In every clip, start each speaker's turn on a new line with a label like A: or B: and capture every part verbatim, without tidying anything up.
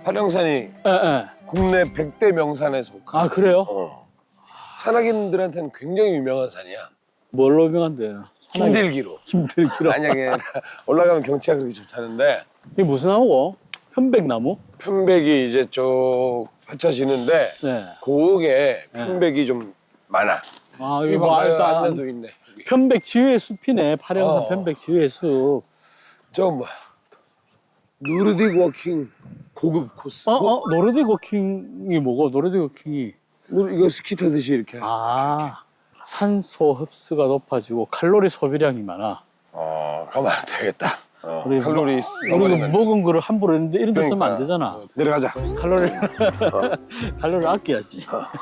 A: 파령산이
B: 예, 예.
A: 국내 백 대 명산에 속한.
B: 아, 그래요?
A: 어. 산악인들한테는 굉장히 유명한 산이야.
B: 뭘로 유명한데?
A: 힘들기로.
B: 힘들기로.
A: 만약에 올라가면 경치가 그렇게 좋다는데
B: 이게 무슨 나무고? 편백나무?
A: 편백이 이제 쭉 펼쳐지는데
B: 네.
A: 고옥에 편백이 좀 많아.
B: 아,
A: 여기
B: 이거 뭐,
A: 봐,
B: 일단
A: 안내도 있네. 여기.
B: 편백 지휘의 숲이네. 파령산
A: 어.
B: 편백 지휘의 숲.
A: 저 뭐, 노르딕 워킹 고급 코스.
B: 어, 어, 노르딕 워킹이 뭐고? 노르딕 워킹이.
A: 뭐 이거 스키 타듯이 이렇게.
B: 아, 산소 흡수가 높아지고 칼로리 소비량이 많아.
A: 어, 가면 안 되겠다. 어,
B: 우리
A: 칼로리
B: 우리가
A: 써버리면
B: 먹은 거를 함부로 했는데 이런 데 쓰면 안
A: 그러니까.
B: 되잖아.
A: 어, 내려가자.
B: 칼로리 칼로리 아껴야지.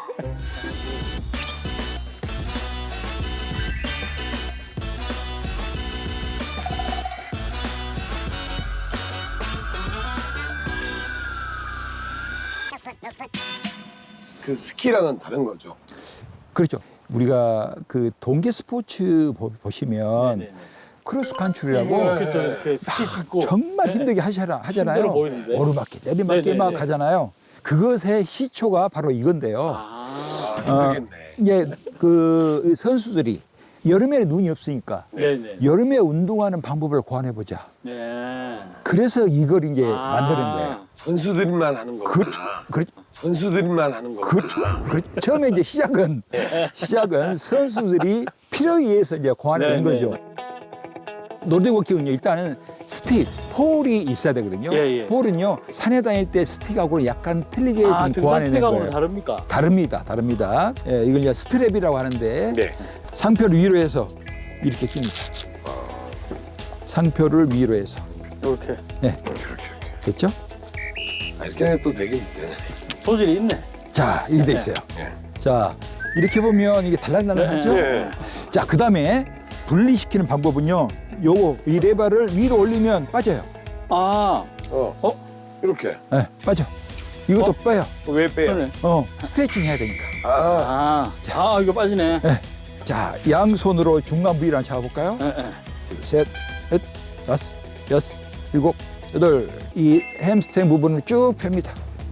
A: 그 스키랑은 다른 거죠.
C: 그렇죠. 우리가 그 동계 스포츠 보- 보시면
B: 네네네.
C: 크로스 칸트리라고
B: 그렇죠. 이렇게 스키 신고
C: 정말 힘들게 하시잖아, 하잖아요.
B: 힘들어 보이는데.
C: 오르막길, 내리막길
B: 네네네.
C: 막 가잖아요. 그것의 시초가 바로 이건데요.
B: 아,
A: 아, 힘들겠네.
C: 이제 그 선수들이 여름에 눈이 없으니까
B: 네네.
C: 여름에 운동하는 방법을 고안해 보자.
B: 네.
C: 그래서 이걸 이제
B: 아.
C: 만드는 거예요.
A: 선수들만 하는
C: 그,
A: 거구나.
C: 그,
A: 선수들만 하는
C: 그,
A: 거구나.
C: 그, 처음에 이제 시작은 시작은 선수들이 필요에 의해서 이제 고안해 낸
B: 네네.
C: 거죠. 노르딕 워킹은요, 일단은 스틱, 폴이 있어야 되거든요.
B: 예, 예.
C: 폴은요, 산에 다닐 때 스틱하고는 약간 틀리게
B: 아,
C: 좀
B: 등산
C: 고안해낸
B: 스틱하고는
C: 거예요.
B: 다릅니까?
C: 다릅니다, 다릅니다. 예, 이걸 이제 스트랩이라고 하는데
A: 네.
C: 상표를 위로 해서 이렇게 낍니다. 상표를 위로 해서.
B: 이렇게
C: 네,
A: 이렇게 이렇게.
C: 됐죠?
A: 아, 이렇게 또 되긴 되네.
B: 소질이 있네.
C: 자, 이렇게 돼 있어요.
A: 예.
C: 자, 이렇게 보면 이게 달랑달랑하죠?
A: 네.
C: 자, 그 다음에 분리시키는 방법은요, 요거, 이 레바를 위로 올리면 빠져요.
B: 아,
A: 어. 어? 이렇게.
C: 네, 빠져. 이것도
B: 어?
C: 빼요.
A: 왜 빼요?
B: 그러네.
C: 어, 스트레칭 해야 되니까.
A: 아,
B: 아, 아, 이거 빠지네.
C: 네. 자, 양손으로 중간 부위를 한번 잡아볼까요?
B: 예, 예.
C: 둘, 셋, 넷, 다섯, 여섯, 일곱, 여덟. 이 햄스트링 부분을 쭉 펴니다.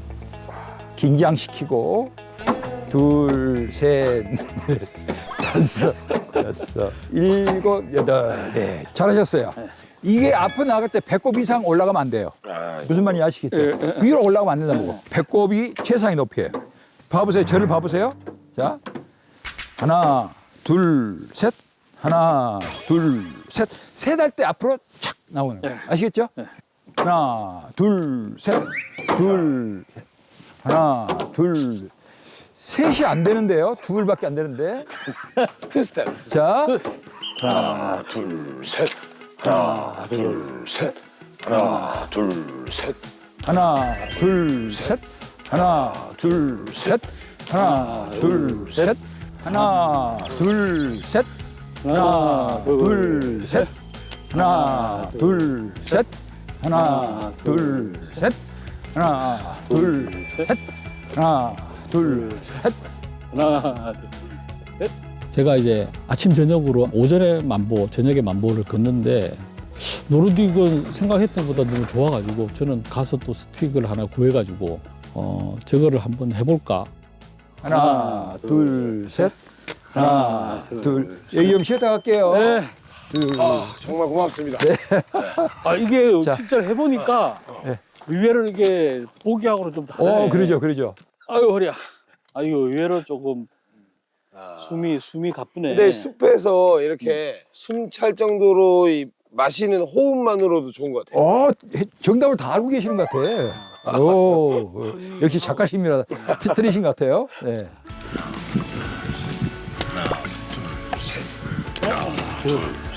C: 긴장시키고, 둘, 셋, 넷, 다섯, 여섯, 일곱, 여덟. 네, 잘하셨어요. 이게 앞으로 나갈 때 배꼽 이상 올라가면 안 돼요.
A: 아,
C: 무슨 말인지 아시겠죠?
B: 예, 예, 예.
C: 위로 올라가면 안 된다는 거. 배꼽이 최상의 높이에요. 봐보세요. 저를 봐보세요. 자, 하나, 둘, 셋. 하나, 둘, 셋. 셋 할 때 앞으로 착 나오는 거예요. 아시겠죠? 하나, 둘, 셋. 둘, 셋. 하나, 둘. 셋이 안 되는데요. 둘밖에 안 되는데.
A: 투 스텝. 투 스텝.
C: 자,
A: 하나, 둘, 셋. 하나, 둘, 셋. 하나, 둘, 셋.
C: 하나, 둘, 셋. 하나, 둘, 셋. 하나, 둘, 셋. 하나, 둘, 셋. 하나, 둘, 셋. 하나, 둘, 셋. 하나, 둘, 셋. 하나, 둘, 셋. 하나, 둘, 셋.
B: 하나, 둘, 셋.
D: 제가 이제 아침 저녁으로 오전에 만보, 저녁에 만보를 걷는데 노르딕은 생각했던 것보다 너무 좋아가지고 저는 가서 또 스틱을 하나 구해가지고 어 저거를 한번 해볼까.
C: 하나, 둘, 셋. 하나, 둘. 여기 좀 쉬었다 갈게요.
B: 네.
C: 둘.
A: 아, 정말 고맙습니다.
B: 아, 이게
C: 자.
B: 진짜 해보니까
C: 네.
B: 의외로 이게 보기하고는 좀 다르네.
C: 어, 그러죠, 그러죠.
B: 아유, 허리야. 아, 이거 의외로 조금 숨이, 숨이 가쁘네.
A: 근데 숲에서 이렇게 숨 찰 정도로 이 마시는 호흡만으로도 좋은 것 같아요.
C: 어, 해- 정답을 다 알고 계시는 것 같아. 오, 어, 역시 작가심이라 트- 틀리신 것 같아요. 네.
A: 둘,